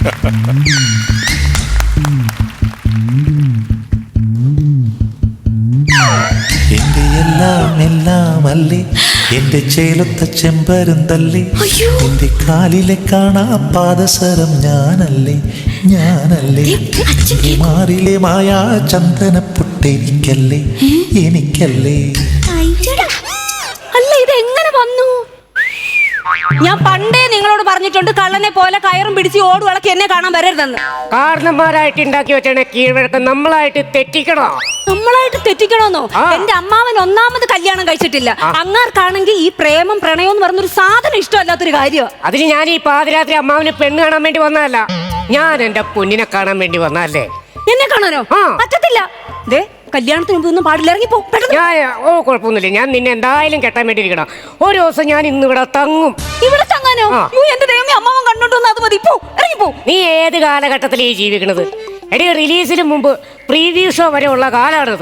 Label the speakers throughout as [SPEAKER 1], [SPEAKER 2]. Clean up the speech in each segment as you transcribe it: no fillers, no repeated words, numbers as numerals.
[SPEAKER 1] എന്റെ എല്ലാം എല്ലാം അല്ലേ, എന്റെ ചേലത്ത ചെമ്പരുന്തല്ലേ, എന്റെ കാലിലെ കാണാ പാദസരം ഞാനല്ലേ, ഞാനല്ലേ, മാറിലെ മായാ ചന്ദനപ്പൊട്ടെനിക്കല്ലേ, എനിക്കല്ലേ.
[SPEAKER 2] അല്ല, ഇത് എങ്ങനെ വന്നു? ഞാൻ പണ്ടേ നിങ്ങളോട് പറഞ്ഞിട്ടുണ്ട്, കള്ളനെ പോലെ കയറും പിടിച്ച് ഓടുവിളക്കി എന്നെ കാണാൻ വരരുതെന്ന്.
[SPEAKER 3] കാരണന്മാരായിട്ട് ഉണ്ടാക്കി വെച്ചാണ് കീഴ്വഴക്കം. നമ്മളായിട്ട് തെറ്റിക്കണോ?
[SPEAKER 2] നമ്മളായിട്ട് തെറ്റിക്കണോന്നോ? എന്റെ അമ്മാവൻ ഒന്നാമത് കല്യാണം കഴിച്ചിട്ടില്ല. അങ്ങാർക്കാണെങ്കിൽ ഈ പ്രേമം പ്രണയം എന്ന് പറഞ്ഞൊരു സാധനം ഇഷ്ടമല്ലാത്തൊരു കാര്യം.
[SPEAKER 3] അതിന് ഞാൻ ഈ പാതിരാത്രി അമ്മാവന് പെണ്ണ് കാണാൻ വേണ്ടി വന്നതല്ല, ഞാൻ എന്റെ പൊന്നിനെ കാണാൻ വേണ്ടി വന്നതല്ലേ.
[SPEAKER 2] എന്നെ കാണാനോ? പറ്റത്തില്ല. ദേ, കല്യാണത്തിന് മുമ്പ് ഒന്നും പാടില്ല, ഇറങ്ങിപ്പോ.
[SPEAKER 3] കുഴപ്പമൊന്നുമില്ല, ഞാൻ നിന്നെ എന്തായാലും കെട്ടാൻ വേണ്ടി ഇരിക്കണം. ഒരു ദിവസം ഞാൻ ഇന്ന് ഇവിടെ തങ്ങും.
[SPEAKER 2] ഇവിടെ തങ്ങാനോ? എന്റെ ദൈവമേ, അമ്മാവൻ കണ്ടോണ്ടോന്ന് അത് മതി. ഇറങ്ങിപ്പോ.
[SPEAKER 3] നീ ഏത് കാലഘട്ടത്തിലേ ജീവിക്കണത്? എടി, റിലീസിന് മുമ്പ് പ്രീവ്യൂ ഷോ വരെ ഉള്ള കാലാണിത്.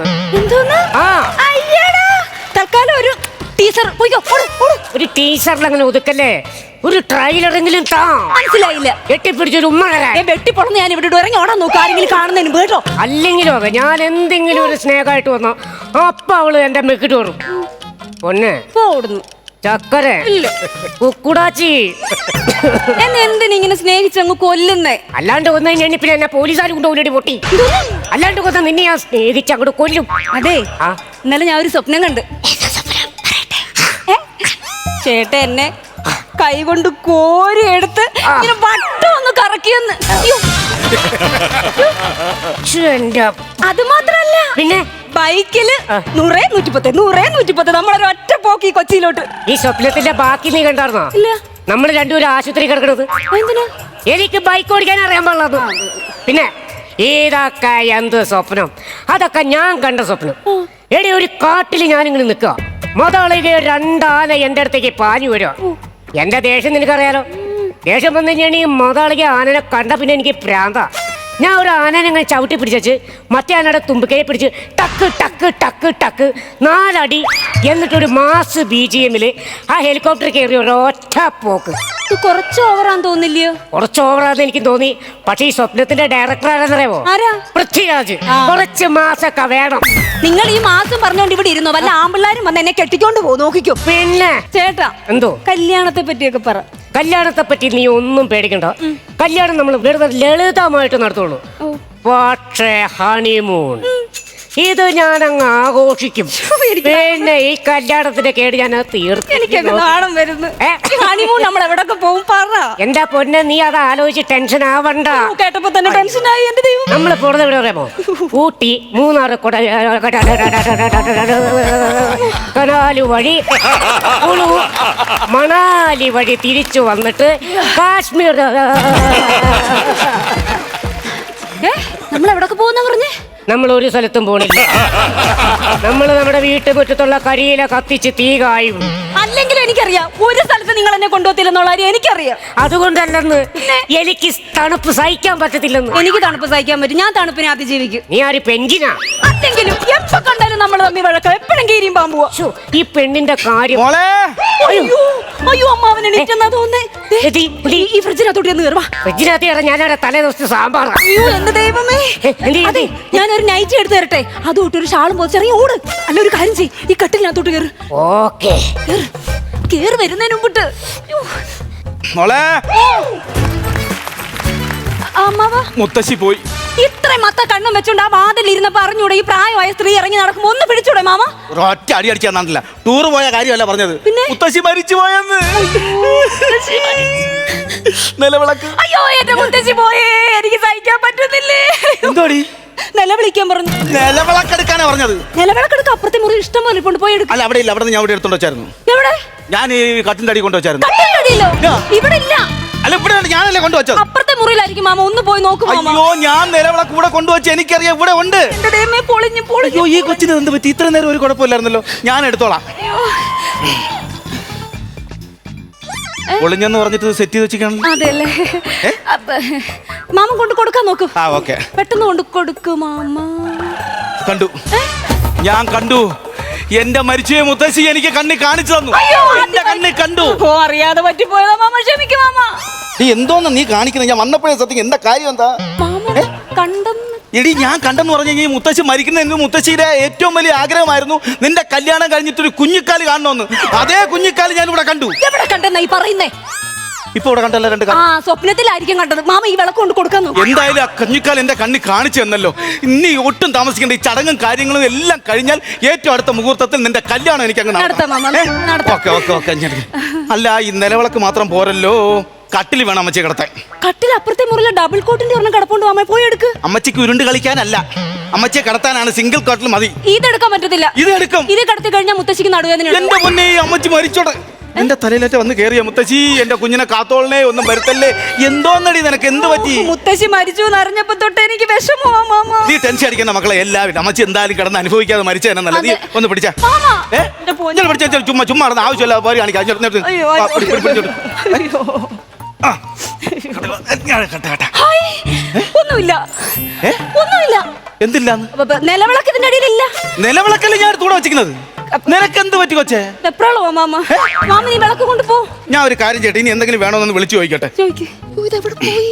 [SPEAKER 2] തൽക്കാലം ഒരു ടീച്ചർ.
[SPEAKER 3] ഒരു ടീച്ചറിൽ അങ്ങനെ ഒതുക്കല്ലേ, ഒരു ട്രailer-എങ്കിലും താ.
[SPEAKER 2] മനസ്സിലായില്ല.
[SPEAKER 3] കെട്ടിപ്പിടിച്ചൊരു ഉമ്മ
[SPEAKER 2] വെട്ടിപ്പൊളന്ന് ഞാൻ ഇവിടെ ഇറങ്ങി ഓടാൻ നോക്കാം, ആരെങ്കിലും കാണുന്നതിന് കേട്ടോ.
[SPEAKER 3] അല്ലെങ്കിലും അതെ, ഞാൻ എന്തെങ്കിലും ഒരു സ്നേഹമായിട്ട് വന്നോ അപ്പൊ അവള് എന്റെ മെക്കിട്ട് വരും. പൊന്നെ
[SPEAKER 2] ഓടുന്നു
[SPEAKER 3] ചക്കര കുക്കുടാച്ചി.
[SPEAKER 2] എന്നെ എന്തിനിങ്ങനെ സ്നേഹിച്ചങ്ങ് കൊല്ലുന്നേ?
[SPEAKER 3] അല്ലാണ്ട് കൊന്നു കഴിഞ്ഞാൽ പിന്നെ എന്നെ പോലീസുകാർ കൊണ്ട് ഓടി പൊട്ടി. അല്ലാണ്ട് കൊന്ന നിന്നെ ഞാൻ സ്നേഹിച്ച് അങ്ങോട്ട് കൊല്ലും.
[SPEAKER 2] അതെ, ഇന്നലെ ഞാൻ ഒരു സ്വപ്നം കണ്ട്. ചേട്ട എന്നെ കൈ കൊണ്ട് കോരി എടുത്ത് ഇങ്ങനെ വട്ടം ഒന്ന് കറക്കിയെന്ന്. അത് മാത്രല്ല, പിന്നെ ബൈക്കില് 100, 110 നമ്മളൊരൊറ്റ പോക്കി കൊച്ചിയിലോട്ട്.
[SPEAKER 3] ഈ സ്വപ്നത്തിന്റെ ബാക്കി നീ കണ്ടായിരുന്നോ?
[SPEAKER 2] ഇല്ല.
[SPEAKER 3] നമ്മൾ രണ്ടുപേരും ആശുപത്രി കിടക്കണത്. എനിക്ക് ബൈക്ക് ഓടിക്കാൻ അറിയാൻ പാടില്ല. പിന്നെ ഇതൊക്കെ എന്ത് സ്വപ്നം? അതൊക്കെ ഞാൻ കണ്ട സ്വപ്നം. എടി, ഒരു കാട്ടിൽ ഞാനിങ്ങനെ നിൽക്കുക, മുതളിക 2 ആന എന്റെ അടുത്തേക്ക് പാഞ്ഞു വരുക. എന്റെ ദേഷ്യം നിനക്കറിയാലോ. ദേഷ്യം വന്നു കഴിഞ്ഞാൽ ഈ മുതളിക ആനനെ കണ്ട പിന്നെ എനിക്ക് പ്രാന്ത. ഞാൻ ഒരു ആനനെ ഇങ്ങനെ ചവിട്ടി പിടിച്ചു, മറ്റേ ആനയുടെ തുമ്പിക്കൈ പിടിച്ച് ടക്ക് ടക്ക് ടക്ക് ടക്ക് 4 അടി. എന്നിട്ടൊരു മാസ് BGM-ൽ ആ ഹെലികോപ്റ്റർ കയറി ഒരൊറ്റ പോക്ക്.
[SPEAKER 2] കുറച്ച് ഓവറാന്ന് തോന്നില്ലയോ?
[SPEAKER 3] കുറച്ച് ഓവറാന്ന് എനിക്ക് തോന്നി. പക്ഷെ ഈ സ്വപ്നത്തിന്റെ ഡയറക്ടർ ആരെന്നറിയാമോ? പൃഥ്വിരാജ്. കുറച്ച് മാസമൊക്കെ വേണം.
[SPEAKER 2] നിങ്ങൾ ഈ മാസം പറഞ്ഞോണ്ട് ഇവിടെ ഇരുന്നോ? വല്ല ആമ്പിള്ളാരും വന്ന് എന്നെ കെട്ടിക്കൊണ്ട് പോകും, നോക്കിക്കോ.
[SPEAKER 3] പിന്നെ
[SPEAKER 2] ചേട്ടാ,
[SPEAKER 3] എന്തോ
[SPEAKER 2] കല്യാണത്തെ പറ്റിയൊക്കെ പറ.
[SPEAKER 3] കല്യാണത്തെ പറ്റി നീ ഒന്നും പേടിക്കണ്ട. കല്യാണം നമ്മൾ വെറുതെ ലളിതമായിട്ട് നടത്തുള്ളൂ. പക്ഷേ ഹണിമൂൺ ഇത് ഞാനങ്ങ് ആഘോഷിക്കും. പിന്നെ ഈ കല്യാണത്തിന്റെ കേട് ഞാൻ
[SPEAKER 2] തീർച്ചയായും വരുന്നു. ഹണിമൂൺ നമ്മൾ എവിടൊക്കെ പോകും പറ.
[SPEAKER 3] എന്റെ പൊന്നെ, നീ അത് ആലോചിച്ച് ടെൻഷൻ ആവണ്ട.
[SPEAKER 2] കേട്ടപ്പോ തന്നെ ടെൻഷനായി. എന്റെ ദൈവം,
[SPEAKER 3] നമ്മൾ പോകുന്നത് എവിടെ പറയാമോ? ഊട്ടി, മൂന്നാർ, കനാല് വഴി കുളു, മണാലി വഴി തിരിച്ചു വന്നിട്ട് കാശ്മീർ.
[SPEAKER 2] നമ്മൾ എവിടൊക്കെ പോകുന്ന പറഞ്ഞേ?
[SPEAKER 3] നമ്മൾ ഒരു സ്ഥലത്തും പോണില്ല. നമ്മൾ നമ്മുടെ വീട്ടുമുറ്റത്തുള്ള കരിയില കത്തിച്ച് തീ കായും.
[SPEAKER 2] അല്ലെങ്കിലും എനിക്കറിയാം, ഒരു സ്ഥലത്ത് നിങ്ങൾ എന്നെ കൊണ്ടുപോകത്തില്ലെന്നുള്ള കാര്യം എനിക്കറിയാം.
[SPEAKER 3] അതുകൊണ്ടല്ലെന്ന്, എനിക്ക് തണുപ്പ് സഹിക്കാൻ പറ്റത്തില്ലെന്ന്.
[SPEAKER 2] എനിക്ക് തണുപ്പ് സഹിക്കാൻ പറ്റും. ഞാൻ തണുപ്പിനെ അതിജീവിക്കും.
[SPEAKER 3] നീ ആര് പെഞ്ചിനാ?
[SPEAKER 2] അല്ലെങ്കിലും എപ്പോ കണ്ടാലും നമ്മൾ തമ്മിൽ വഴക്കം, എപ്പോഴും കീരിയും പാമ്പുവാ.
[SPEAKER 3] ഈ പെണ്ണിന്റെ കാര്യം.
[SPEAKER 2] അയ്യോ, അമ്മാവനെ എണീറ്റെന്നാ തോന്നേ. ഈ ഫ്രിഡ്ജിനകത്തോട്ട് ഒന്ന് കയറുവാ.
[SPEAKER 3] ഫ്രിഡ്ജിനകത്ത് ഞാനവിടെ തലേ ദിവസത്തെ സാമ്പാറാ.
[SPEAKER 2] അയ്യോ, എന്റെ ദൈവമേ. അതെ, ഞാനൊരു നൈറ്റ് എടുത്ത് തരട്ടെ? അതുകൊണ്ട് ഒരു ഷാളും പോച്ചെറിയ ഓട്. അല്ല, ഒരു കാര്യം ചെയ്യ്, ഈ കട്ടിലിനകത്തോട്ട് കയറ്.
[SPEAKER 3] ഓക്കേ,
[SPEAKER 2] കേറി വരുന്നതിന് മുമ്പിട്ട്.
[SPEAKER 4] മുത്തശ്ശി പോയി.
[SPEAKER 2] ഇത്രയും മത്ത കണ്ണും വെച്ചോണ്ട് ആ വാതിൽ ഇരുന്നപ്പോ അറിഞ്ഞൂടെ ഈ പ്രായമായ സ്ത്രീ ഇറങ്ങി നടക്കുമ്പോ ഒന്ന് പിടിച്ചൂടെ മാമ?
[SPEAKER 4] ഒറ്റ അടി അടിച്ചാൽ നന്നില്ല. ടൂറ് പോയ കാര്യമല്ല പറഞ്ഞത്, മുത്തശ്ശി മരിച്ചു പോയെന്ന്. നിലവിളക്ക്.
[SPEAKER 2] അയ്യോ, എന്റെ മുത്തശ്ശി പോയേ, എനിക്ക് സഹിക്കാൻ പറ്റുന്നില്ലേ.
[SPEAKER 4] എന്തോടി?
[SPEAKER 2] നിലവിളിക്കാൻ പറഞ്ഞു.
[SPEAKER 4] നിലവിളക്കെടുക്കാനാ പറഞ്ഞത്.
[SPEAKER 2] നിലവിളക്കെടുക്ക അപ്പുറത്തെ മുറി ഇഷ്ടം പോലെ കൊണ്ട് പോയി എടുക്കും.
[SPEAKER 4] അല്ല, അവിടെ ഇല്ല. അവിടെ ഞാൻ ഇവിടെ എടുത്തോണ്ട് വെച്ചായിരുന്നു.
[SPEAKER 2] എവിടെ?
[SPEAKER 4] ഞാൻ ഈ കട്ടിന്റെ അടി കൊണ്ടുവച്ചായിരുന്നു.
[SPEAKER 2] ഇവിടെ ഇല്ല.
[SPEAKER 4] അല്ല, ഇവിടെ ഞാനല്ലേ കൊണ്ടുവച്ചത്.
[SPEAKER 2] അപ്പുറത്തെ മുറിയിലായിരിക്കും മാമ, ഒന്ന് പോയി നോക്കും.
[SPEAKER 4] അയ്യോ, ഞാൻ നിലവിളക്ക് ഇവിടെ കൊണ്ടുവച്ച് എനിക്കറിയാം, ഇവിടെ ഉണ്ട്. അയ്യോ, ഈ കൊച്ചിന് എന്ത് പറ്റി? ഇത്ര നേരം ഒരു കുഴപ്പമില്ലായിരുന്നല്ലോ. ഞാൻ എടുത്തോളാം. ഒളിഞ്ഞെന്ന് പറഞ്ഞിട്ട് സെറ്റ് ചെയ്ത് വെച്ചിരിക്കണം.
[SPEAKER 2] അതെല്ലേ, മാമ കൊണ്ട് കൊടുക്കാൻ നോക്കൂ. പെട്ടെന്ന് കൊണ്ട് കൊടുക്കൂ മാമ.
[SPEAKER 4] കണ്ടു, ഞാൻ കണ്ടു. എന്റെ മരിച്ചുപോയ മുത്തശ്ശി എനിക്ക് കണ്ണി കാണിച്ചു തന്നു. എന്റെ കണ്ണി കണ്ടു.
[SPEAKER 2] അറിയാതെ പറ്റിപ്പോയതാ മാമ, ക്ഷമിക്കും മാമ.
[SPEAKER 4] നീ എന്തോന്ന് നീ കാണിക്കുന്നത്? ഞാൻ വന്നപ്പോഴേ സത്യം എന്താ കാര്യം എന്താ?
[SPEAKER 2] മാമ കണ്ടെന്ന്.
[SPEAKER 4] എടി ഞാൻ കണ്ടെന്ന് പറഞ്ഞു കഴിഞ്ഞാൽ മുത്തശ്ശി മരിക്കുന്ന എന്റെ മുത്തശ്ശിയുടെ ഏറ്റവും വലിയ ആഗ്രഹമായിരുന്നു നിന്റെ കല്യാണം കഴിഞ്ഞിട്ടൊരു കുഞ്ഞിക്കാല് കാണണമെന്ന്. അതേ കുഞ്ഞിക്കാല് ഞാൻ ഇവിടെ കണ്ടു.
[SPEAKER 2] എവിടെ കണ്ടെന്നാ ഈ പറയുന്നേ?
[SPEAKER 4] ഇപ്പൊ ഇവിടെ കണ്ടല്ലോ രണ്ട്
[SPEAKER 2] ആ സ്വപ്നത്തിലായിരിക്കും കണ്ടത്. മാമ ഈ വിളക്ക് കൊണ്ട് കൊടുക്കാൻ നോക്ക്.
[SPEAKER 4] എന്തായാലും ആ കുഞ്ഞിക്കാൽ എന്റെ കണ്ണി കാണിച്ചു തന്നല്ലോ. ഇനി ഒട്ടും താമസിക്കേണ്ട. ഈ ചടങ്ങും കാര്യങ്ങളും എല്ലാം കഴിഞ്ഞാൽ ഏറ്റവും അടുത്ത മുഹൂർത്തത്തിൽ നിന്റെ കല്യാണം എനിക്ക് അങ്ങ്
[SPEAKER 2] നടത്താം മാമ, നടത്താം.
[SPEAKER 4] ഓക്കെ. അല്ല ഈ നിലവിളക്ക് മാത്രം പോരല്ലോ, കട്ടിൽ വേണം അമ്മച്ചി കിടത്താൻ.
[SPEAKER 2] കട്ടിൽ അപ്പുറത്തെ മുറിയിലെ ഡബിൾ കോട്ടിന്റെ ഒരെണ്ണം കിടപ്പുണ്ട് മാമ, പോയി എടുക്ക്.
[SPEAKER 4] അമ്മച്ചിക്ക് ഉരുണ്ട് കളിക്കാനല്ല, അമ്മച്ചിയെ കിടത്താനാണ്. സിംഗിൾ കട്ടിൽ മതി.
[SPEAKER 2] ഇതെടുക്കാൻ പറ്റത്തില്ല.
[SPEAKER 4] ഇത് എടുക്കും.
[SPEAKER 2] ഇത് കിടത്തി കഴിഞ്ഞാൽ മുത്തശ്ശിക്ക് നടുവേദന.
[SPEAKER 4] എന്റെ മുന്നേ അമ്മച്ചി മരിച്ചോടെ എന്റെ തലയിലേറ്റ വന്ന് കേറിയ മുത്തശ്ശി, എന്റെ കുഞ്ഞിനെ കാത്തോളനെ, ഒന്നും വരുത്തല്ലേ. എന്തോന്നടി നിനക്ക്, എന്ത് പറ്റി?
[SPEAKER 2] മുത്തശ്ശി മരിച്ചു എന്നറിഞ്ഞപ്പോ തൊട്ട് എനിക്ക് വിഷമമാ മാമ.
[SPEAKER 4] നീ ടെൻഷൻ അടിക്കുന്ന മക്കളെ എല്ലാവരും. അമ്മച്ചി എന്തായാലും കിടന്ന് അനുഭവിക്കാതെ മരിച്ച തന്നെ നല്ലത്. നീ ഒന്ന് പിടിച്ചാ ചുമ്മാ നടന്ന് ആവശ്യമില്ല പോരി കാണിക്കാം.
[SPEAKER 2] ഒന്നുമില്ല.
[SPEAKER 4] എന്തില്ലാന്ന്?
[SPEAKER 2] നിലവിളക്കത്തിന്റെ അടിയിലില്ല.
[SPEAKER 4] നിലവിളക്കല്ലേ ഞാൻ തൂടെ വെച്ചിരിക്കുന്നത്. നിനക്ക് എന്ത് പറ്റി കൊച്ചേ?
[SPEAKER 2] എപ്പോഴാണോ മാമ? മാമ നീ വിളക്ക് കൊണ്ടുപോ.
[SPEAKER 4] ഞാൻ ഒരു കാര്യം ചെയ്യട്ടെ, ഇനി എന്തെങ്കിലും വേണോന്ന് വിളിച്ചു ചോദിക്കട്ടെ.
[SPEAKER 2] ഇതെവിടെ പോയി?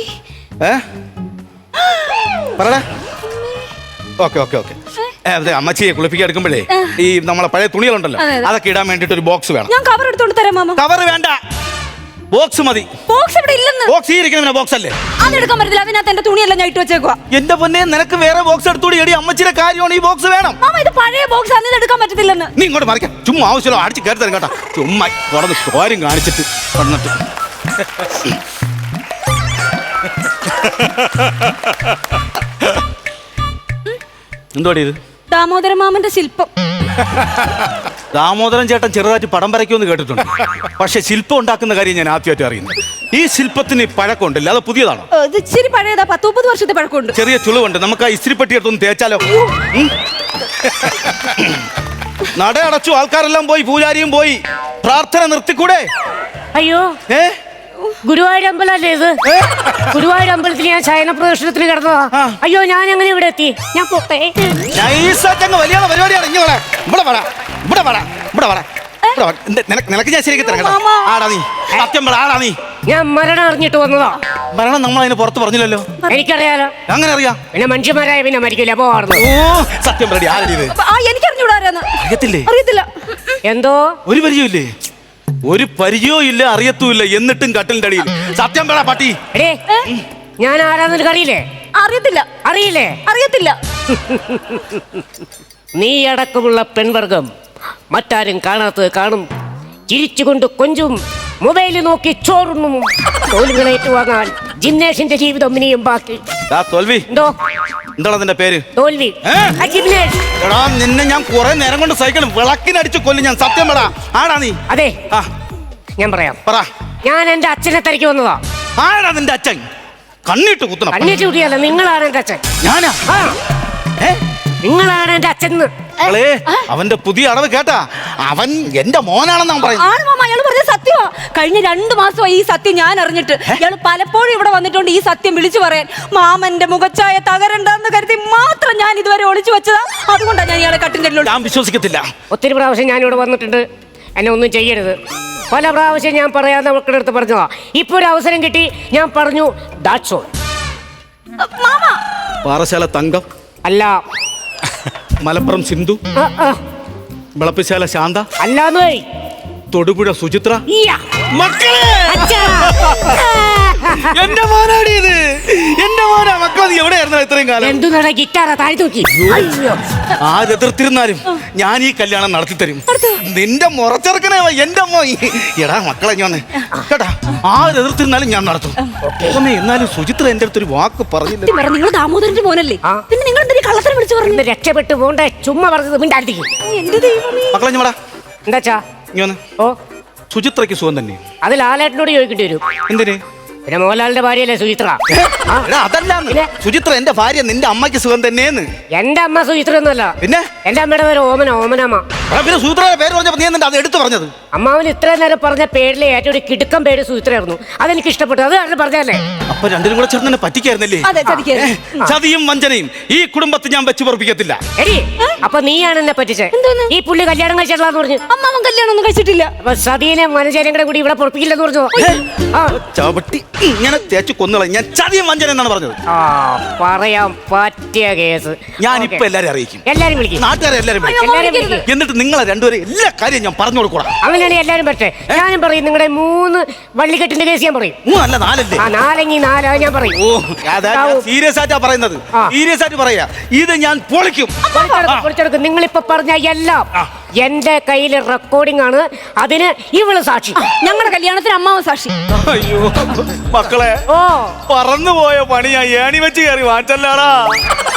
[SPEAKER 4] പറടാ. ഓക്കെ. അതെ, അമ്മച്ചിയെ കുളിപ്പിക്കാൻ എടുക്കുമ്പോഴേ ഈ നമ്മളെ പഴയ തുണികളുണ്ടല്ലോ, അതൊക്കെ ഇടാൻ വേണ്ടിട്ട് ഒരു ബോക്സ് വേണം.
[SPEAKER 2] ഞാൻ കവർ എടുത്തോണ്ട് തരാം മാമ.
[SPEAKER 4] കവർ വേണ്ട, ബോക്സ് മതി.
[SPEAKER 2] ബോക്സ് ഇവിടെ ഇല്ലെന്ന്.
[SPEAKER 4] ബോക്സ് ഈ ഇരിക്കുന്ന ബോക്സ് അല്ലേ?
[SPEAKER 2] അതെടുക്കാൻ പറ്റില്ല, അതിനകത്ത് എന്റെ തുണിയെല്ലാം ഞാൻ ഇട്ട് വെച്ചേക്കുവാ.
[SPEAKER 4] എന്റെ പൊന്നെ, നിനക്ക് വേറെ ബോക്സ് എടുത്തോടി. എടി അമ്മച്ചിയുടെ കാര്യമാണ്, ഈ ബോക്സ് വേണം.
[SPEAKER 2] മാമ ഇത് പഴയ ബോക്സ് ആണ്, ഇത് എടുക്കാൻ പറ്റത്തില്ലെന്ന്.
[SPEAKER 4] നീ ഇങ്ങോട്ട് മറിക്കാം. ചുമ്മാ ആവശ്യമല്ലോ അടിച്ച് കയറി തരും കേട്ടോ. ചുമ്മാ തുറന്ന് കാര്യം കാണിച്ചിട്ട് വന്നിട്ട് എന്തോടി ഇത്?
[SPEAKER 2] ദാമോദര മാമന്റെ ശില്പം.
[SPEAKER 4] ദാമോദരൻ ചേട്ടൻ ചെറുതായിട്ട് പടം വരയ്ക്കുമെന്ന് കേട്ടിട്ടുണ്ട്. പക്ഷെ ശില്പം ഉണ്ടാക്കുന്ന കാര്യം ഞാൻ ആദ്യമായിട്ട് അറിയുന്നത്. ഈ ശില്പത്തിന് പഴക്കമുണ്ടല്ലോ, അത് പുതിയതാണോ?
[SPEAKER 2] ഇത് ഇച്ചിരി പഴയതാ, 10-30 വർഷത്തെ പഴക്കമുണ്ട്.
[SPEAKER 4] ചെറിയ ചുളിവുണ്ട്. നമുക്ക് ആ ഇസ്തിരിപ്പെട്ടി എടുത്തൊന്ന് തേച്ചാലോ? നട അടച്ചു, ആൾക്കാരെല്ലാം പോയി, പൂജാരിയും പോയി. പ്രാർത്ഥന നിർത്തിക്കൂടെ?
[SPEAKER 3] അയ്യോ, ഗുരുവായൂർ അമ്പലല്ലേ ഇത്? ഗുരുവായൂർ അമ്പലത്തിൽ ഞാൻ ശയന പ്രദർശനത്തിന് കിടന്നതാ. അയ്യോ, ഞാൻ എങ്ങനെ ഇവിടെ എത്തി? ഞാൻ പോട്ടെ.
[SPEAKER 4] വലിയ പരിപാടിയാണ്. നിനക്ക് ഞാൻ ശരിക്കും തരാം. ആടാ നീ, സത്യം പറ, ആടാ നീ.
[SPEAKER 3] ഞാൻ മരണം അറിഞ്ഞിട്ട് വന്നതാ.
[SPEAKER 4] മരണം നമ്മൾ അതിന് പുറത്ത് പറഞ്ഞില്ലല്ലോ.
[SPEAKER 3] എനിക്കറിയാലോ.
[SPEAKER 4] അങ്ങനെ അറിയാം.
[SPEAKER 3] പിന്നെ മനുഷ്യന്മാരായ പിന്നെ മരിക്കില്ല, പോവാറുണ്ട്.
[SPEAKER 4] ഓ സത്യം പറ, ആരടി ഇത്?
[SPEAKER 2] എനിക്കറിഞ്ഞൂടാ. അറിയത്തില്ല.
[SPEAKER 3] എന്തോ
[SPEAKER 4] ഒരു പരിചയമില്ലേ? ഒരു പരിചയവും ഇല്ല, അറിയത്തുമില്ല, എന്നിട്ടും കട്ടിലിന്റെ അടിയിൽ. സത്യം പറ പട്ടി.
[SPEAKER 3] ഞാൻ ആരാന്ന് അറിയില്ലേ?
[SPEAKER 2] അറിയത്തില്ല.
[SPEAKER 3] നീ അടക്കമുള്ള പെൺവർഗം മറ്റാരും കാണാത്തത് കാണും, ചിരിച്ചുകൊണ്ട് കൊഞ്ചും, മൊബൈലിൽ നോക്കി ചോറുണ്ണും. തോൽവികൾ ഏറ്റുവാങ്ങാൻ ജിംനേഷിന്റെ ജീവിതം ഇനിയും ബാക്കി.
[SPEAKER 4] തോൽവി
[SPEAKER 3] എന്തോ?
[SPEAKER 4] എന്താണ് അതിന്റെ പേര്?
[SPEAKER 3] തോൽവി.
[SPEAKER 4] എടാ, നിന്നെ ഞാൻ കുറെ നേരം കൊണ്ട് സൈക്കിൾ വിളക്കിനടിച്ചു കൊല്ലും ഞാൻ. സത്യം പറ, ആടാ നീ?
[SPEAKER 3] അതെ, ഞാൻ പറയാം.
[SPEAKER 4] പറ.
[SPEAKER 3] ഞാൻ എന്റെ അച്ഛനെ തിരക്കി വന്നതാ.
[SPEAKER 4] ആടാ നിന്റെ അച്ഛൻ? കണ്ണിട്ട് കുത്തണം.
[SPEAKER 3] കണ്ണിട്ട് കുട്ടിയല്ല, നിങ്ങളാണ് എന്റെ അച്ഛൻ.
[SPEAKER 4] ഞാനാ?
[SPEAKER 3] നിങ്ങളാണ് എന്റെ അച്ഛൻ.
[SPEAKER 4] അവന്റെ പുതിയ അടവ് കേട്ടാ? അവൻ എന്റെ മോനാണെന്നാ
[SPEAKER 2] പറയുന്നത്. അയാൾ പറഞ്ഞ സത്യമാ. കഴിഞ്ഞ 2 മാസമായി ഈ സത്യം ഞാൻ അറിഞ്ഞിട്ട്. ഇയാൾ പലപ്പോഴും ഇവിടെ വന്നിട്ടുണ്ട് ഈ സത്യം വിളിച്ചു പറയാൻ. മാമന്റെ മുഖച്ചായ തകരണ്ടെന്ന് കരുതി മാത്രം ഞാൻ ഇതുവരെ ഒളിച്ചു വെച്ചതാ. അതുകൊണ്ടാണ് ഞാൻ ഇയാളെ കട്ടിന്റെ.
[SPEAKER 4] ഞാൻ വിശ്വസിക്കത്തില്ല.
[SPEAKER 3] ഒത്തിരി പ്രാവശ്യം ഞാനിവിടെ വന്നിട്ടുണ്ട്. എന്നെ ഒന്നും ചെയ്യരുത്. പല പ്രാവശ്യം ഞാൻ പറയാതെ മക്കളുടെ അടുത്ത് പറഞ്ഞതാ. ഇപ്പൊ ഒരു അവസരം കിട്ടി, ഞാൻ പറഞ്ഞു. That's all.
[SPEAKER 4] പാറശാല തങ്കം
[SPEAKER 3] അല്ല.
[SPEAKER 4] മലപ്പുറം സിന്ധു വിളപ്പിശാല ശാന്ത
[SPEAKER 3] അല്ലാന്ന്.
[SPEAKER 4] തൊടുപുഴ സുചിത്ര.
[SPEAKER 3] മക്കളെ,
[SPEAKER 4] എന്റെ മോനാടി ഇത്. എന്റെ മോനാ. മക്കളെ, നീ എവിടെയായിരുന്നു ഇത്രയും കാലം?
[SPEAKER 3] എന്തു നട ഗിറ്റാറാ താഴെ തൂക്കി.
[SPEAKER 4] ആരെതിർത്തിരുന്നാലും ഞാൻ ഈ കല്യാണം നടത്തി തരും. നിന്റെ മുറച്ചെറുക്കനെ എന്റെ അമ്മ. എടാ മക്കളെ, ഞാൻ കേട്ടാ, ആരെതിർത്തിരുന്നാലും ഞാൻ നടത്തും. എന്നാലും സുചിത്ര എന്റെ അടുത്തൊരു വാക്ക് പറഞ്ഞില്ല.
[SPEAKER 2] നിങ്ങൾ ദാമോദരന്റെ മോനല്ലേ? പിന്നെ നിങ്ങൾ എന്തിനാ കള്ളത്തരം വിളിച്ചു പറഞ്ഞു?
[SPEAKER 3] രക്ഷപ്പെട്ടു പോണ്ടേ, ചുമ്മാ പറഞ്ഞത് മിണ്ടായിരിക്കും.
[SPEAKER 4] മക്കളെ ഞമ്മടാ.
[SPEAKER 3] എന്താച്ചാ?
[SPEAKER 4] ഓ, സുചിത്രയ്ക്ക് സുഖം തന്നെ.
[SPEAKER 3] അത് ലാലേട്ടനോട് ചോദിക്കേണ്ടി വരും.
[SPEAKER 4] എന്തിന്?
[SPEAKER 3] പിന്നെ മോഹൻലാലിന്റെ ഭാര്യയല്ലേ സുചിത്ര?
[SPEAKER 4] അതല്ല, സുചിത്ര എന്റെ ഭാര്യ, നിന്റെ അമ്മയ്ക്ക് സുഖം തന്നെയെന്ന്.
[SPEAKER 3] എന്റെ അമ്മ സുചിത്ര ഒന്നുമല്ല.
[SPEAKER 4] പിന്നെ?
[SPEAKER 3] എന്റെ അമ്മയുടെ പേര് ഓമനമ്മ.
[SPEAKER 4] പിന്നെ സൂത്രയുടെ പേര് പറഞ്ഞപ്പോ നീ എന്താ അത് എടുത്തു പറഞ്ഞത്?
[SPEAKER 3] അമ്മാവൻ ഇത്ര നേരം പറഞ്ഞ പേരിലെ ഏറ്റവും ഒരു കിടുക്കം പേര് സൂത്രയായിരുന്നു. അതെനിക്ക് ഇഷ്ടപ്പെട്ടു. അത് കാരണം പറഞ്ഞല്ലേ.
[SPEAKER 4] അപ്പൊ രണ്ടിനും കൂടെ ചേർന്ന് എന്നെ പറ്റിക്കായിരുന്നല്ലേ?
[SPEAKER 2] അതെ, ചതിക്കായിരുന്നു.
[SPEAKER 4] ചതിയും വഞ്ചനയും ഈ കുടുംബത്തിൽ ഞാൻ വെച്ച് പൊറപ്പിക്കത്തില്ല.
[SPEAKER 3] എടി, അപ്പൊ നീയാണ് എന്നെ പറ്റിച്ചേ.
[SPEAKER 2] എന്തോന്ന്?
[SPEAKER 3] ഈ പുള്ളി കല്യാണം കഴിച്ചിട്ടില്ലാന്ന് പറഞ്ഞു.
[SPEAKER 2] അമ്മാവൻ കല്യാണം ഒന്നും കഴിച്ചിട്ടില്ല.
[SPEAKER 3] അപ്പൊ സതീനെ മനചേരും കൂടെ കൂടി ഇവിടെ പൊറപ്പിക്കില്ലെന്ന് പറഞ്ഞു. ആ,
[SPEAKER 4] ചവിട്ടി ഇങ്ങനെ തേച്ച് കൊന്നുകളെ. ഞാൻ ചതിയും വഞ്ചന എന്നാണ് പറഞ്ഞത്.
[SPEAKER 3] ആ, പറയാൻ പറ്റിയ കേസ്.
[SPEAKER 4] ഞാനിപ്പോ എല്ലാരും അറിയിക്കും,
[SPEAKER 3] എല്ലാരും വിളിക്കും.
[SPEAKER 4] നാട്ടുകാരെ എല്ലാരും വിളിക്കും.
[SPEAKER 3] എല്ലാരും വിളിക്കും.
[SPEAKER 4] എന്നിട്ട് നിങ്ങളെ രണ്ടുപേരും എല്ലാ കാര്യം ഞാൻ പറഞ്ഞു കൊടുക്കൂടാ.
[SPEAKER 3] അങ്ങനെയാണ് എല്ലാരും പറ്റേ. ഞാനും പറയും നിങ്ങളുടെ 3 വള്ളിക്കെട്ടിന്റെ കേസ് ഞാൻ പറയും.
[SPEAKER 4] 3 അല്ല 4 അല്ലേ?
[SPEAKER 3] ആ, 4 ഞാൻ പറയും.
[SPEAKER 4] ഓ, സീരിയസ് ആയിട്ടാ പറയുന്നത്. സീരിയസ് ആയിട്ട് പറയാ. ഇത് ഞാൻ പൊളിക്കും.
[SPEAKER 3] പൊളിച്ചെടുക്കും. നിങ്ങളിപ്പോ പറഞ്ഞ എല്ലാം എന്റെ കയ്യിൽ റെക്കോർഡിംഗ് ആണ്. അതിന് ഇവള് സാക്ഷി.
[SPEAKER 2] ഞങ്ങളുടെ കല്യാണത്തിന് അമ്മാവൻ സാക്ഷി.
[SPEAKER 4] അയ്യോ മക്കളെ,
[SPEAKER 3] ഓ,
[SPEAKER 4] പറന്നുപോയ പണി ഞാൻ ഏണി വെച്ച് കയറി വാങ്ങിച്ചല്ലാടാ.